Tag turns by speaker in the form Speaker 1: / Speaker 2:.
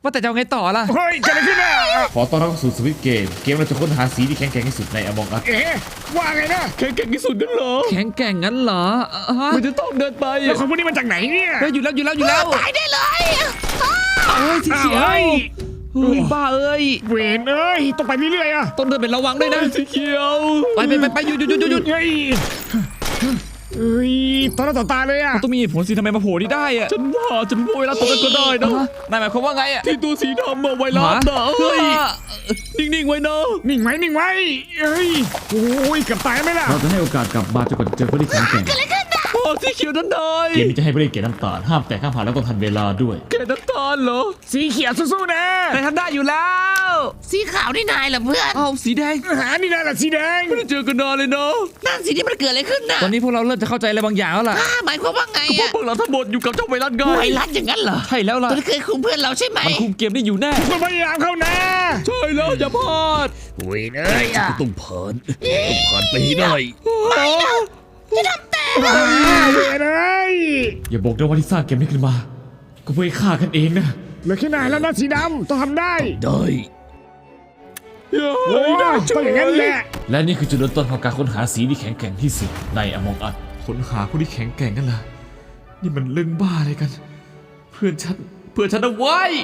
Speaker 1: ว่าแต่จะเอาไงต่อล่ะ
Speaker 2: เฮ้ยเกิดอะไรขึ้นอ่ะ
Speaker 3: ขอต้อนรับสู่สวิตเกมเราจะค้นหาสีที่แข็งแกร่งที่สุดใน Among Us
Speaker 2: ว่าไงนะ
Speaker 4: แข็งแกร่งที่สุดกันเหรอ
Speaker 1: แข็งแกร่งงั้นเหรอ
Speaker 4: มันจะต้องเดินไป
Speaker 2: แล้วคนพวกนี้มาจากไหนเนี่ย
Speaker 1: เฮ้ยอยู่แล้ว
Speaker 5: ตายได้เลย
Speaker 1: เฮ้ยสีเขียว
Speaker 2: เฮ้ย
Speaker 1: เฮ้ยบ้าเอ้ย
Speaker 2: เวนเอ้ยต้องไปเรื่อยๆอ่ะ
Speaker 1: ต้องเดินเป็นระวังด้วยนะ
Speaker 4: สีเขียว
Speaker 1: ไปหยุด
Speaker 2: เฮ้ยตอนหน้าต่อตาเลยอ่ะ
Speaker 1: ต้องมีเหตุผลสิทำไมมาโผล่นี่ได้อะ
Speaker 4: ฉันว่าไวรัสตัวนั้นก็ได้นะ
Speaker 1: นายหมายความว่าไงอะ
Speaker 4: ที่ตัวสีดำอะไวรัสนะเฮ้ยนิ่งๆไว้นะ
Speaker 2: นิ่งไว้เฮ้ยโอ้ยเกือบตายไหมล่ะ
Speaker 3: เราจะให้โอกาสกลับมาจนกว่าจะเจอผู้ที่แข็งแกร่ง
Speaker 4: สีเขียวนั้นได้
Speaker 3: เกมนี้จะให้ผู้เล่นเกมน้ำตาลห้ามแตกห้ามผ่านแล้วต้องทันเวลาด้วย
Speaker 4: แกน้ำตาลเหรอ
Speaker 2: สีเขียวสู้ๆนะ
Speaker 1: นายทำได้อยู่แล้ว
Speaker 5: สีขาวนี่นายเหรอเพื่อน
Speaker 1: เอาสีแดง
Speaker 2: นี่นะล่ะสีแดง
Speaker 4: ไม่ได้เจอกันนานเลยนะ
Speaker 5: นั่นสิที่มันเกิดอะไรขึ้นน่ะ
Speaker 1: ตอนนี้พวกเราเริ่มจะเข้าใจอะไรบางอย่างแล้วล่ะ
Speaker 5: หมายความว่าไง
Speaker 4: เพราะ
Speaker 5: อะ
Speaker 4: พวกเราทั้งหมดอยู่กับเจ้าไวรัสไง
Speaker 5: ไวรัสอย่างนั้นเหรอ
Speaker 1: ใช่แล้วล่ะ
Speaker 5: ตัวที่เคยคุมเพื่อนเราใช่ไหม
Speaker 1: มันคุมเกมได้อยู่แน่
Speaker 2: คุณพยายามเข้านะ
Speaker 4: ใช่แล้วอย่าพลาด
Speaker 2: เวนเอ้ย
Speaker 4: ต้องผ่านไปให้ได้
Speaker 2: เวนเอ้ย
Speaker 3: อย่าบอกนะว่าที่สร้างเกมนี้ขึ้นมา ก็เพื่อให้ฆ่ากันเองนะ
Speaker 2: เหลือแค่นายแล้วนะสีดำต้องทำได้
Speaker 4: ได้
Speaker 2: โอ้ยต้องอย่างนั้นแหละ
Speaker 3: และนี่คือจุดเริ่มต้นของการค้นหาสีที่แข็งแกร่งที่สุดใน Among Us ค้นหาผู้ที่แข็งแกร่งกันล่ะนี่มันเรื่องบ้าอะไรกัน เพื่อนฉันเอาไว้